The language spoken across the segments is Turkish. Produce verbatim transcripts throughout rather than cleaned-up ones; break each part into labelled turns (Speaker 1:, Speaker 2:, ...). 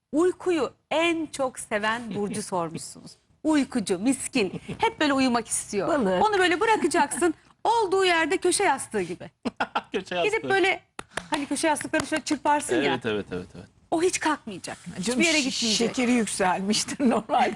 Speaker 1: Uykuyu en çok seven burcu sormuşsunuz. Uykucu, miskin. Hep böyle uyumak istiyor.
Speaker 2: Balık.
Speaker 1: Onu böyle bırakacaksın. Olduğu yerde köşe yastığı gibi.
Speaker 3: Köşe yastığı.
Speaker 1: Gidip böyle hani köşe yastıklarını şöyle çırparsın ya.
Speaker 3: Evet evet evet evet.
Speaker 1: O hiç kalkmayacak.
Speaker 2: Canım,
Speaker 1: Hiçbir yere
Speaker 2: şi-
Speaker 1: gitmeyecek.
Speaker 2: Şekeri yükselmiştir normal.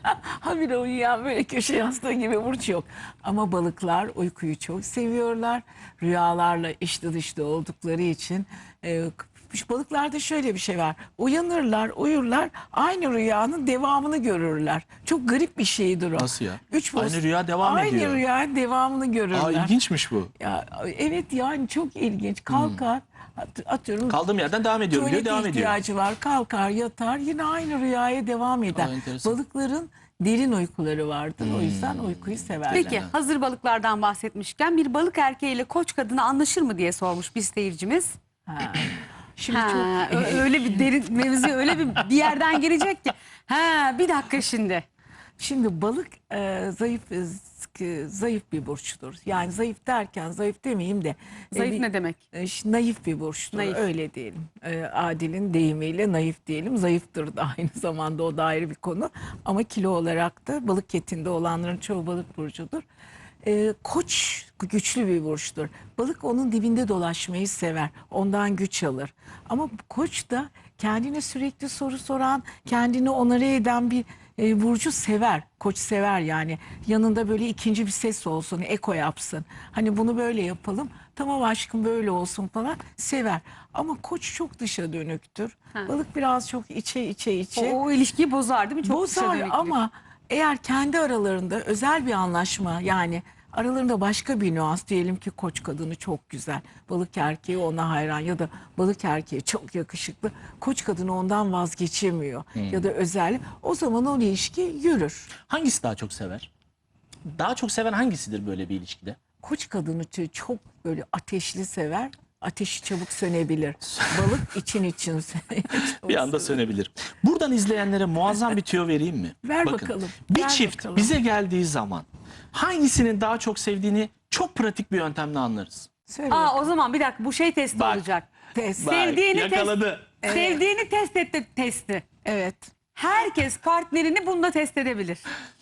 Speaker 2: Habire uyuyan böyle köşe yastığı gibi burç yok. Ama balıklar uykuyu çok seviyorlar. Rüyalarla içli dışlı oldukları için. E, şu balıklarda şöyle bir şey var. Uyanırlar, uyurlar, aynı rüyanın devamını görürler. Çok garip bir şeydir o.
Speaker 3: Nasıl ya?
Speaker 2: Üç
Speaker 3: Aynı
Speaker 2: boz-
Speaker 3: rüya devam
Speaker 2: aynı
Speaker 3: ediyor.
Speaker 2: Aynı rüyanın devamını görürler.
Speaker 3: Aa, ilginçmiş bu.
Speaker 2: Ya, evet yani çok ilginç. Kalkar, at- atıyorum.
Speaker 3: Kaldığım yerden devam ediyorum diyor,
Speaker 2: Tuvalet
Speaker 3: devam ediyor.
Speaker 2: ihtiyacı var, kalkar, yatar, yine aynı rüyaya devam eder.
Speaker 3: Aa, enteresan.
Speaker 2: Balıkların derin uykuları vardır. O yüzden uykuyu severler.
Speaker 1: Peki hazır balıklardan bahsetmişken bir balık erkeğiyle koç kadını anlaşır mı diye sormuş bir seyircimiz.
Speaker 2: Ha. Şimdi
Speaker 1: Ha,
Speaker 2: çok
Speaker 1: ö- öyle bir derin mevzu öyle bir bir yerden girecek ki. Ha bir dakika şimdi.
Speaker 2: Şimdi balık e, zayıf e, zayıf bir burçtur. Yani zayıf derken zayıf demeyeyim de
Speaker 1: Zayıf
Speaker 2: e, bir-
Speaker 1: ne demek?
Speaker 2: e, ş- naif bir burçtur.
Speaker 1: Naif.
Speaker 2: Öyle diyelim. E, Adil'in deyimiyle naif diyelim. Zayıftır da aynı zamanda, o da ayrı bir konu. Ama kilo olarak da balık etinde olanların çoğu balık burcudur. E, koç güçlü bir burçtur. Balık onun dibinde dolaşmayı sever. Ondan güç alır. Ama koç da kendine sürekli soru soran, kendini onore eden bir e, burcu sever. Koç sever yani. Yanında böyle ikinci bir ses olsun, eko yapsın. Hani bunu böyle yapalım, tamam aşkım böyle olsun falan, sever. Ama koç çok dışa dönüktür.
Speaker 1: Ha.
Speaker 2: Balık biraz çok içe içe içe.
Speaker 1: O, o ilişkiyi bozar değil mi? Çok dışa
Speaker 2: Bozar
Speaker 1: dönüklük.
Speaker 2: ama eğer kendi aralarında özel bir anlaşma, yani aralarında başka bir nüans, diyelim ki koç kadını çok güzel, balık erkeği ona hayran ya da balık erkeği çok yakışıklı, koç kadını ondan vazgeçemiyor ya da özel, o zaman o ilişki yürür.
Speaker 3: Hangisi daha çok sever? Daha çok seven hangisidir böyle bir ilişkide?
Speaker 2: Koç kadını ç- çok böyle ateşli sever. Ateşi çabuk sönebilir. Balık için için
Speaker 3: Bir anda sönebilir. Buradan izleyenlere muazzam bir tüyo vereyim mi?
Speaker 2: Ver
Speaker 3: Bakın,
Speaker 2: bakalım,
Speaker 3: bir
Speaker 2: ver
Speaker 3: çift
Speaker 2: bakalım.
Speaker 3: bize geldiği zaman hangisinin daha çok sevdiğini çok pratik bir yöntemle anlarız.
Speaker 2: Söyle.
Speaker 1: Aa o zaman bir dakika bu şey testi
Speaker 3: Bak.
Speaker 1: olacak.
Speaker 2: Test.
Speaker 3: Bak,
Speaker 1: Sevdiğini
Speaker 3: yakaladı.
Speaker 1: test, sevdiğini test etti testi.
Speaker 2: Evet.
Speaker 1: Herkes partnerini bununla test edebilir.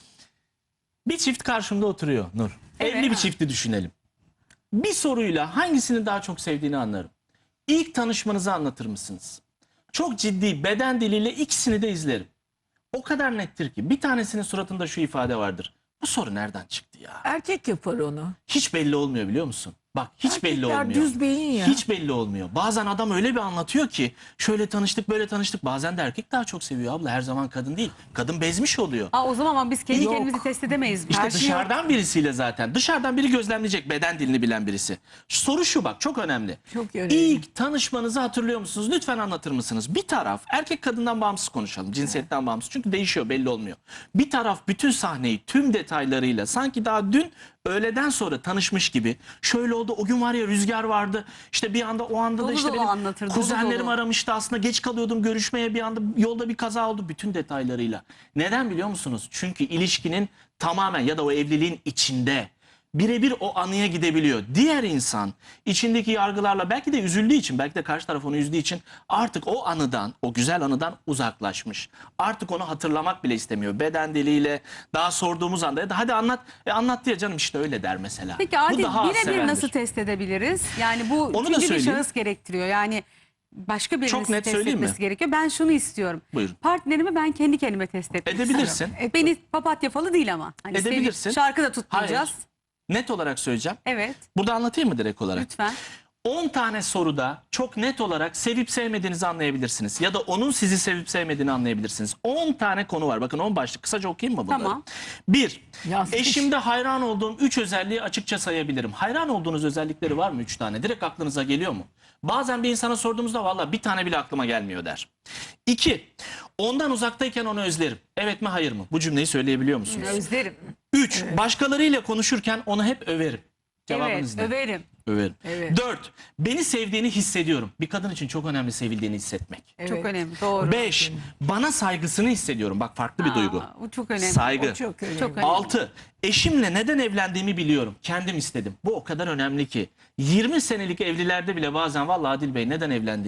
Speaker 3: Bir çift karşımda oturuyor Nur.
Speaker 1: Evet.
Speaker 3: Evli bir çifti düşünelim. Bir soruyla hangisini daha çok sevdiğini anlarım. İlk tanışmanızı anlatır mısınız? Çok ciddi beden diliyle ikisini de izlerim. O kadar nettir ki bir tanesinin suratında şu ifade vardır. Bu soru nereden çıktı ya?
Speaker 2: Erkek yapar onu.
Speaker 3: Hiç belli olmuyor biliyor musun? Bak hiç belli
Speaker 2: Erkekler
Speaker 3: olmuyor.
Speaker 2: düz beyin ya.
Speaker 3: Hiç belli olmuyor. Bazen adam öyle bir anlatıyor ki şöyle tanıştık böyle tanıştık. Bazen de erkek daha çok seviyor abla. Her zaman kadın değil. Kadın bezmiş oluyor.
Speaker 1: Aa o zaman ama biz kendi
Speaker 2: Yok.
Speaker 1: kendimizi test edemeyiz.
Speaker 3: İşte
Speaker 2: Her şey
Speaker 3: dışarıdan birisiyle zaten. Dışarıdan biri gözlemleyecek, beden dilini bilen birisi. Soru şu bak, çok önemli.
Speaker 2: Çok önemli.
Speaker 3: İlk tanışmanızı hatırlıyor musunuz? Lütfen anlatır mısınız? Bir taraf, erkek kadından bağımsız konuşalım. Cinsiyetten bağımsız. Çünkü değişiyor, belli olmuyor. Bir taraf bütün sahneyi tüm detaylarıyla sanki daha dün öğleden sonra tanışmış gibi. Şöyle oldu, o gün var ya rüzgar vardı. İşte bir anda o anda
Speaker 1: Dolu
Speaker 3: da işte
Speaker 1: dolu
Speaker 3: benim
Speaker 1: anlatır, dolu
Speaker 3: kuzenlerim
Speaker 1: dolu.
Speaker 3: aramıştı. Aslında geç kalıyordum görüşmeye, bir anda yolda bir kaza oldu, bütün detaylarıyla. Neden biliyor musunuz? Çünkü ilişkinin tamamen ya da o evliliğin içinde birebir o anıya gidebiliyor. Diğer insan içindeki yargılarla belki de üzüldüğü için, belki de karşı taraf onu üzdüğü için artık o anıdan, o güzel anıdan uzaklaşmış. Artık onu hatırlamak bile istemiyor. Beden diliyle daha sorduğumuz anda ya da hadi anlat, e anlat diye canım işte öyle der mesela.
Speaker 1: Peki
Speaker 3: Bu
Speaker 1: Adil
Speaker 3: daha az
Speaker 1: birebir
Speaker 3: sevendir.
Speaker 1: nasıl test edebiliriz? Yani bu
Speaker 3: Onu da
Speaker 1: üçüncü bir
Speaker 3: söyleyeyim.
Speaker 1: şahıs gerektiriyor. Yani başka birinin
Speaker 3: Çok net
Speaker 1: test
Speaker 3: söyleyeyim mi?
Speaker 1: etmesi gerekiyor. Ben şunu istiyorum.
Speaker 3: Buyurun.
Speaker 1: Partnerimi ben kendi kendime test etmek
Speaker 3: Edebilirsin.
Speaker 1: istiyorum. Beni papatya falı değil ama. Hani
Speaker 3: Edebilirsin.
Speaker 1: sevi- Şarkı da tutmayacağız.
Speaker 3: Hayır. Net olarak söyleyeceğim.
Speaker 1: Evet
Speaker 3: Burada anlatayım mı direkt olarak?
Speaker 1: lütfen.
Speaker 3: on tane soruda çok net olarak sevip sevmediğinizi anlayabilirsiniz. Ya da onun sizi sevip sevmediğini anlayabilirsiniz. on tane konu var. Bakın on başlık. Kısaca okuyayım mı bunları?
Speaker 1: Tamam.
Speaker 3: bir.
Speaker 2: Yazmış.
Speaker 3: Eşimde hayran olduğum üç özelliği açıkça sayabilirim. Hayran olduğunuz özellikleri var mı üç tane? Direkt aklınıza geliyor mu? Bazen bir insana sorduğumuzda valla bir tane bile aklıma gelmiyor der. İki. Ondan uzaktayken onu özlerim. Evet mi hayır mı? Bu cümleyi söyleyebiliyor musunuz?
Speaker 1: Özlerim.
Speaker 3: Üç. Başkalarıyla konuşurken onu hep överim. Cevabınız
Speaker 1: Evet
Speaker 3: ne?
Speaker 1: överim.
Speaker 3: Överim.
Speaker 2: Evet.
Speaker 3: Dört. Beni sevdiğini hissediyorum. Bir kadın için çok önemli sevildiğini hissetmek.
Speaker 2: Evet.
Speaker 1: Çok önemli doğru.
Speaker 3: Beş. Bana saygısını hissediyorum. Bak farklı bir
Speaker 1: Aa,
Speaker 3: duygu.
Speaker 1: Bu çok önemli.
Speaker 3: Saygı.
Speaker 2: O çok önemli.
Speaker 1: Çok önemli.
Speaker 3: Altı. Eşimle neden evlendiğimi biliyorum. Kendim istedim. Bu o kadar önemli ki. yirmi senelik evlilerde bile bazen vallahi Adil Bey neden evlendiğimi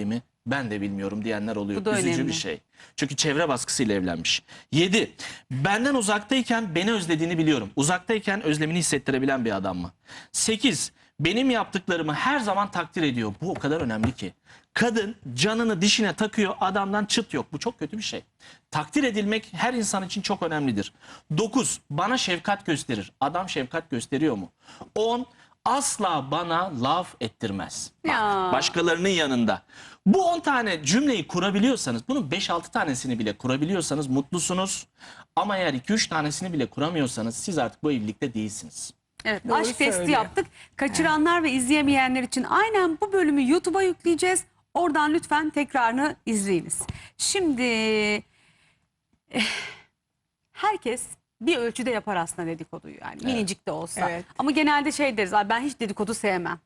Speaker 3: Ben de bilmiyorum diyenler oluyor.
Speaker 1: Bu da
Speaker 3: Üzücü
Speaker 1: önemli.
Speaker 3: bir şey. Çünkü çevre baskısıyla evlenmiş. yedi. Benden uzaktayken beni özlediğini biliyorum. Uzaktayken özlemini hissettirebilen bir adam mı? sekiz. Benim yaptıklarımı her zaman takdir ediyor. Bu o kadar önemli ki. Kadın canını dişine takıyor, adamdan çıt yok. Bu çok kötü bir şey. Takdir edilmek her insan için çok önemlidir. dokuz. Bana şefkat gösterir. Adam şefkat gösteriyor mu? on. Asla bana laf ettirmez. Bak,
Speaker 1: Ya.
Speaker 3: başkalarının yanında. Bu on tane cümleyi kurabiliyorsanız, bunun beş altı tanesini bile kurabiliyorsanız mutlusunuz. Ama eğer iki üç tanesini bile kuramıyorsanız siz artık bu evlilikte değilsiniz.
Speaker 1: Evet,
Speaker 2: Doğru
Speaker 1: aşk testi
Speaker 2: söylüyor.
Speaker 1: yaptık. Kaçıranlar ve izleyemeyenler için aynen bu bölümü YouTube'a yükleyeceğiz. Oradan lütfen tekrarını izleyiniz. Şimdi eh, herkes bir ölçüde yapar aslında dedikoduyu, yani minicik de olsa.
Speaker 2: Evet.
Speaker 1: Ama genelde şey deriz, "Ay, ben hiç dedikodu sevmem."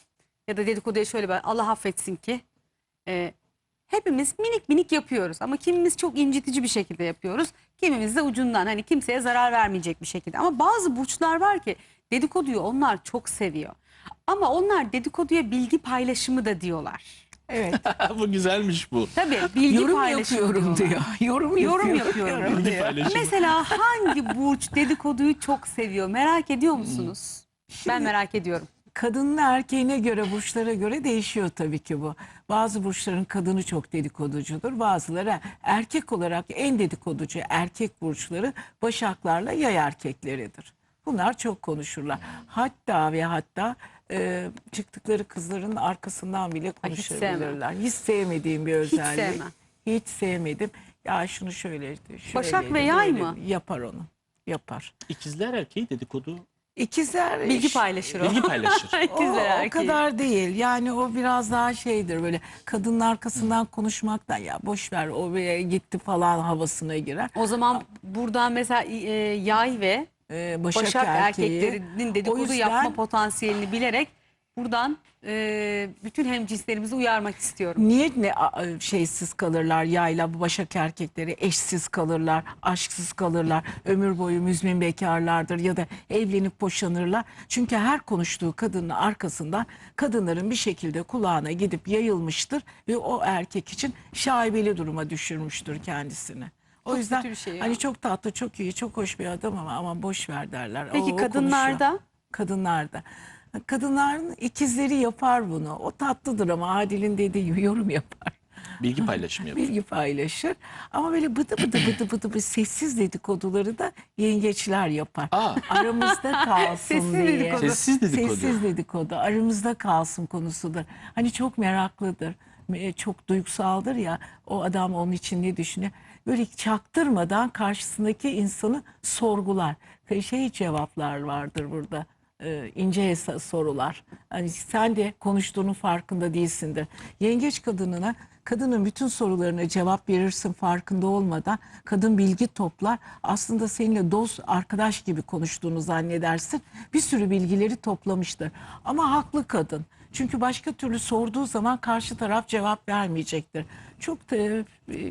Speaker 1: Ya da dedikoduya şöyle, ben Allah affetsin ki e, hepimiz minik minik yapıyoruz ama kimimiz çok incitici bir şekilde yapıyoruz. Kimimiz de ucundan, hani kimseye zarar vermeyecek bir şekilde. Ama bazı burçlar var ki dedikoduyu onlar çok seviyor. Ama onlar dedikoduya bilgi paylaşımı da diyorlar.
Speaker 2: Evet.
Speaker 3: Bu güzelmiş bu.
Speaker 1: Tabii bilgi
Speaker 2: Yorum
Speaker 1: paylaşımı
Speaker 2: yapıyorum
Speaker 1: diyorlar.
Speaker 2: diyor. Yorum,
Speaker 1: Yorum
Speaker 2: yapıyorum.
Speaker 1: yapıyorum.
Speaker 3: Bilgi paylaşımı.
Speaker 1: Mesela hangi burç dedikoduyu çok seviyor, merak ediyor musunuz? Ben merak ediyorum.
Speaker 2: Kadının erkeğine göre, burçlara göre değişiyor tabii ki bu. Bazı burçların kadını çok dedikoducudur. Bazıları erkek olarak en dedikoducu erkek burçları Başaklarla Yay erkekleridir. Bunlar çok konuşurlar. Hatta ve hatta e, çıktıkları kızların arkasından bile
Speaker 1: Ay, hiç sevmem.
Speaker 2: konuşabilirler. Hiç, sevmediğim bir
Speaker 1: Hiç
Speaker 2: özellik.
Speaker 1: sevmem.
Speaker 2: Hiç sevmedim. Ya şunu şöyle, şöyle
Speaker 1: Başak ve Yay mı?
Speaker 2: Yapar onu. Yapar.
Speaker 3: İkizler erkeği dedikodu
Speaker 2: İkizler
Speaker 1: Bilgi
Speaker 2: iş-
Speaker 1: paylaşır o.
Speaker 3: bilgi paylaşır.
Speaker 2: o,
Speaker 1: İkizler
Speaker 2: o
Speaker 1: erkeği.
Speaker 2: kadar değil. Yani o biraz daha şeydir, böyle kadının arkasından konuşmaktan, ya boş ver o bir gitti falan havasına girer.
Speaker 1: O zaman buradan mesela e, Yay ve
Speaker 2: Ee, Başak,
Speaker 1: Başak
Speaker 2: erkeği,
Speaker 1: erkeklerinin dedikodu
Speaker 2: o yüzden-
Speaker 1: yapma potansiyelini bilerek buradan e, bütün hemcinslerimizi uyarmak istiyorum.
Speaker 2: Niye ne a- şeysiz kalırlar yayla, bu Başak erkekleri eşsiz kalırlar, aşksız kalırlar, ömür boyu müzmin bekarlardır ya da evlenip boşanırlar. Çünkü her konuştuğu kadının arkasından kadınların bir şekilde kulağına gidip yayılmıştır ve o erkek için şaibeli duruma düşürmüştür kendisini. O
Speaker 1: Çok
Speaker 2: yüzden
Speaker 1: kötü bir şey ya.
Speaker 2: hani çok tatlı, çok iyi, çok hoş bir adam ama aman boş ver derler.
Speaker 1: Peki
Speaker 2: O- o
Speaker 1: kadınlarda?
Speaker 2: konuşuyor. Kadınlarda. Kadınların ikizleri yapar bunu. O tatlıdır ama Adil'in dediği gibi yorum yapar.
Speaker 3: Bilgi paylaşımı yapıyor.
Speaker 2: Bilgi paylaşır. Ama böyle bıdı bıdı bıdı bıdı bıdı sessiz dedikoduları da yengeçler yapar.
Speaker 3: Aa.
Speaker 2: Aramızda kalsın
Speaker 1: Sessiz
Speaker 2: diye.
Speaker 1: dedikodu.
Speaker 3: Sessiz dedikodu.
Speaker 2: Sessiz dedikodu. Aramızda kalsın konusudur. Hani çok meraklıdır. e, Çok duygusaldır ya. O adam onun için ne düşünüyor? Böyle çaktırmadan karşısındaki insanı sorgular. Şey cevaplar vardır burada. e, ince hesa- sorular. Hani sen de konuştuğunun farkında değilsindir. Yengeç kadınına, kadının bütün sorularına cevap verirsin farkında olmadan. Kadın bilgi toplar. Aslında seninle dost, arkadaş gibi konuştuğunu zannedersin. Bir sürü bilgileri toplamıştır. Ama haklı kadın. Çünkü başka türlü sorduğu zaman karşı taraf cevap vermeyecektir. Çok da e,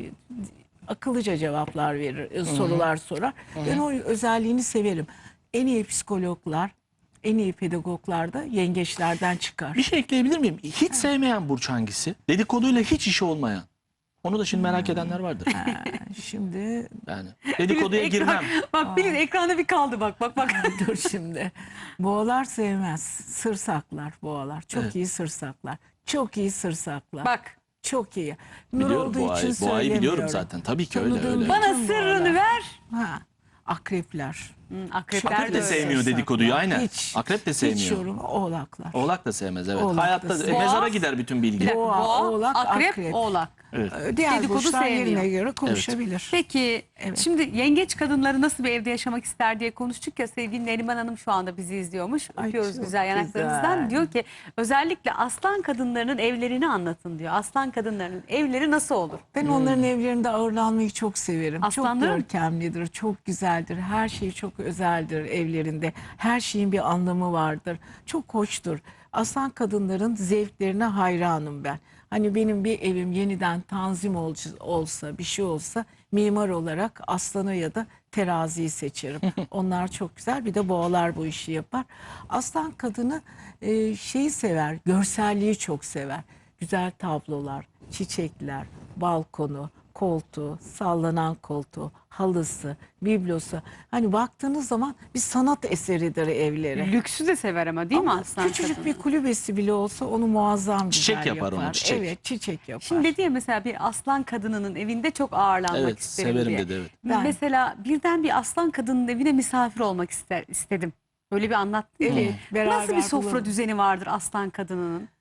Speaker 2: akıllıca cevaplar verir, e, sorular sorar. Ben o özelliğini severim. En iyi psikologlar, en iyi pedagoglar da yengeçlerden çıkar.
Speaker 3: Bir şey ekleyebilir miyim? Hiç sevmeyen burç hangisi? Dedikoduyla hiç işi olmayan. Onu da şimdi merak edenler vardır.
Speaker 2: Ha, şimdi
Speaker 3: Yani dedikoduya
Speaker 1: Ekran-
Speaker 3: girmem.
Speaker 1: Bak Pelin ekranda bir kaldı, bak bak bak.
Speaker 2: dur şimdi. Boğalar sevmez. Sır saklar boğalar. Çok
Speaker 3: Evet.
Speaker 2: iyi sır saklar. Çok iyi sır saklar.
Speaker 1: Bak,
Speaker 2: Çok iyi. Nur
Speaker 3: Biliyorum
Speaker 2: olduğu
Speaker 3: boğayı.
Speaker 2: için
Speaker 3: Boğayı biliyorum
Speaker 2: söylemiyorum.
Speaker 3: zaten. Tabii ki öyle
Speaker 2: Tanıdığım
Speaker 3: öyle.
Speaker 2: bir-
Speaker 1: bana
Speaker 2: Bütün
Speaker 1: sırrını
Speaker 2: boğalar.
Speaker 1: ver.
Speaker 2: Ha, akrepler.
Speaker 1: Hı, akrepler
Speaker 3: Akrep de
Speaker 1: de
Speaker 3: sevmiyor
Speaker 2: Sır
Speaker 3: dedikoduyu,
Speaker 2: saklar.
Speaker 3: aynen.
Speaker 2: Hiç,
Speaker 3: Akrep de
Speaker 2: Hiç
Speaker 3: sevmiyor.
Speaker 2: yorum, oğlaklar.
Speaker 3: Oğlak da sevmez, evet.
Speaker 2: Oğlak da
Speaker 3: Hayatta
Speaker 2: sevmez.
Speaker 3: e, mezara
Speaker 1: Boğaz-
Speaker 3: gider bütün
Speaker 1: Bir
Speaker 3: bilgi.
Speaker 1: dakika,
Speaker 2: Boğa,
Speaker 1: boğa,
Speaker 2: oğlak,
Speaker 1: akrep,
Speaker 2: akrep.
Speaker 1: oğlak.
Speaker 3: Evet.
Speaker 2: Ee, Diğer
Speaker 1: Dedikodu
Speaker 2: burçlar
Speaker 1: sevmiyor.
Speaker 2: yerine göre konuşabilir.
Speaker 1: Peki
Speaker 2: Evet.
Speaker 1: şimdi yengeç kadınları nasıl bir evde yaşamak ister diye konuştuk ya, sevgili Neriman Hanım şu anda bizi izliyormuş.
Speaker 2: Ay,
Speaker 1: Öpüyoruz
Speaker 2: çok
Speaker 1: güzel yanaklarınızdan.
Speaker 2: güzel.
Speaker 1: Diyor ki özellikle aslan kadınlarının evlerini anlatın diyor. Aslan kadınlarının evleri nasıl olur?
Speaker 2: Ben onların evlerinde ağırlanmayı çok severim.
Speaker 1: Aslanların?
Speaker 2: Çok görkemlidir, çok güzeldir. Her şey çok özeldir evlerinde. Her şeyin bir anlamı vardır. Çok hoştur. Aslan kadınların zevklerine hayranım ben. Hani benim bir evim yeniden tanzim ol- olsa, bir şey olsa mimar olarak aslanı ya da teraziyi seçerim. Onlar çok güzel. Bir de boğalar bu işi yapar. Aslan kadını e, şeyi sever, görselliği çok sever. güzel tablolar, çiçekler, balkonu, koltuğu, sallanan koltuğu, halısı, biblosu. Hani baktığınız zaman bir sanat eseridir evleri.
Speaker 1: Lüksü de sever ama değil mi
Speaker 2: Ama
Speaker 1: aslan
Speaker 2: küçücük
Speaker 1: kadını?
Speaker 2: bir kulübesi bile olsa onu muazzam
Speaker 3: Çiçek
Speaker 2: güzel
Speaker 3: yapar onu, çiçek.
Speaker 2: Evet, çiçek yapar.
Speaker 1: Şimdi dedi ya mesela bir aslan kadınının evinde çok ağırlanmak
Speaker 3: Evet,
Speaker 1: isterim
Speaker 3: severim
Speaker 1: diye.
Speaker 3: dedi, evet.
Speaker 2: Ben-
Speaker 1: Mesela birden bir aslan kadının evine misafir olmak ister, istedim. Böyle bir anlattın
Speaker 2: Evet,
Speaker 1: ki.
Speaker 2: beraber
Speaker 1: Nasıl bir sofra
Speaker 2: bulalım.
Speaker 1: düzeni vardır aslan kadınının?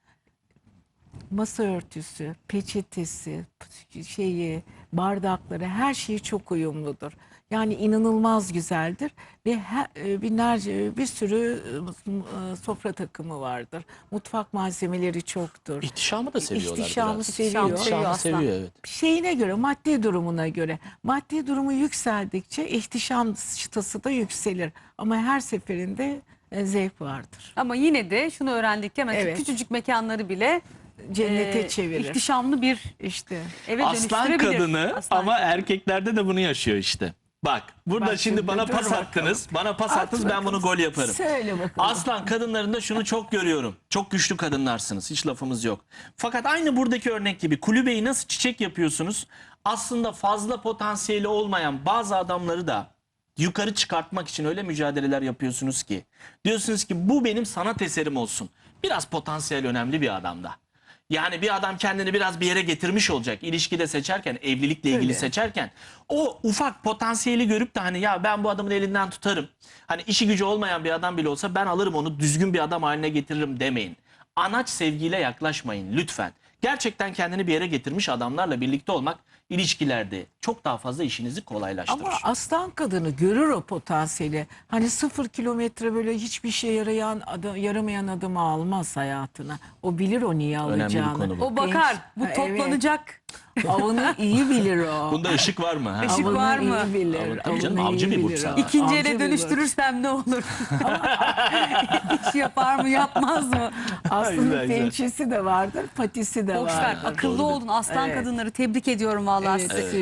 Speaker 2: Masa örtüsü, peçetesi, şeyi, bardakları, her şeyi çok uyumludur. Yani inanılmaz güzeldir ve her, e, binlerce bir sürü e, sofra takımı vardır. Mutfak malzemeleri çoktur.
Speaker 3: İhtişamı da seviyorlar
Speaker 2: İhtişamı
Speaker 3: biraz.
Speaker 2: seviyor.
Speaker 3: İhtişamı
Speaker 1: aslan.
Speaker 3: seviyor, evet.
Speaker 2: Şeyine göre, maddi durumuna göre. Maddi durumu yükseldikçe ihtişam çıtası da yükselir. Ama her seferinde e, zevk vardır.
Speaker 1: Ama yine de şunu öğrendik ki hemen şu
Speaker 2: Evet.
Speaker 1: küçücük mekanları bile
Speaker 2: Cennete
Speaker 1: e,
Speaker 2: çevirir.
Speaker 1: ihtişamlı bir
Speaker 2: İşte.
Speaker 1: eve
Speaker 3: Aslan
Speaker 1: dönüştürebilir.
Speaker 3: kadını
Speaker 1: Aslan
Speaker 3: ama
Speaker 1: kadını.
Speaker 3: erkeklerde de bunu yaşıyor işte. Bak burada
Speaker 2: Bak
Speaker 3: şimdi
Speaker 2: şimdi
Speaker 3: bana
Speaker 2: dur
Speaker 3: pas
Speaker 2: bakalım.
Speaker 3: attınız. Bana pas
Speaker 2: At
Speaker 3: attınız, ben
Speaker 2: bakalım.
Speaker 3: bunu gol yaparım.
Speaker 2: Söyle bakalım.
Speaker 3: Aslan kadınlarında şunu çok görüyorum. Çok güçlü kadınlarsınız. Hiç lafımız yok. Fakat aynı buradaki örnek gibi kulübeyi nasıl çiçek yapıyorsunuz? Aslında fazla potansiyeli olmayan bazı adamları da yukarı çıkartmak için öyle mücadeleler yapıyorsunuz ki. Diyorsunuz ki bu benim sanat eserim olsun. Biraz potansiyel önemli bir adamda. Yani bir adam kendini biraz bir yere getirmiş olacak. İlişkide seçerken, evlilikle ilgili
Speaker 2: Öyle.
Speaker 3: seçerken o ufak potansiyeli görüp de hani ya ben bu adamın elinden tutarım. Hani işi gücü olmayan bir adam bile olsa ben alırım onu, düzgün bir adam haline getiririm demeyin. Anaç sevgiyle yaklaşmayın lütfen. Gerçekten kendini bir yere getirmiş adamlarla birlikte olmak ilişkilerde çok daha fazla işinizi kolaylaştırır.
Speaker 2: Ama aslan kadını görür o potansiyeli. Hani sıfır kilometre böyle hiçbir şey yarayan adam, yaramayan adamı almaz hayatına. O bilir o niye
Speaker 3: Önemli bir
Speaker 2: alacağını.
Speaker 3: konu bu.
Speaker 1: O bakar. Bu
Speaker 2: Ha, evet.
Speaker 1: toplanacak.
Speaker 2: Avını iyi bilir o.
Speaker 3: Bunda ışık var mı? Ha?
Speaker 1: Işık
Speaker 2: Avını
Speaker 1: var mı?
Speaker 2: iyi bilir.
Speaker 3: Avı- tabii canım,
Speaker 2: avını
Speaker 3: avcı
Speaker 2: iyi
Speaker 3: bir burç
Speaker 2: bilir
Speaker 3: zaten.
Speaker 2: o.
Speaker 1: İkinci
Speaker 2: Avcı
Speaker 1: ele
Speaker 2: bir burç.
Speaker 1: dönüştürürsem ne olur? İş yapar mı yapmaz mı?
Speaker 2: Aslında
Speaker 3: Güzel, güzel.
Speaker 2: pençesi de vardır, patisi de
Speaker 1: Boş ver.
Speaker 2: vardır.
Speaker 1: Akıllı
Speaker 3: Doğru.
Speaker 1: olun aslan
Speaker 2: Evet.
Speaker 1: kadınları. Tebrik ediyorum vallahi
Speaker 2: Evet,
Speaker 1: sizi.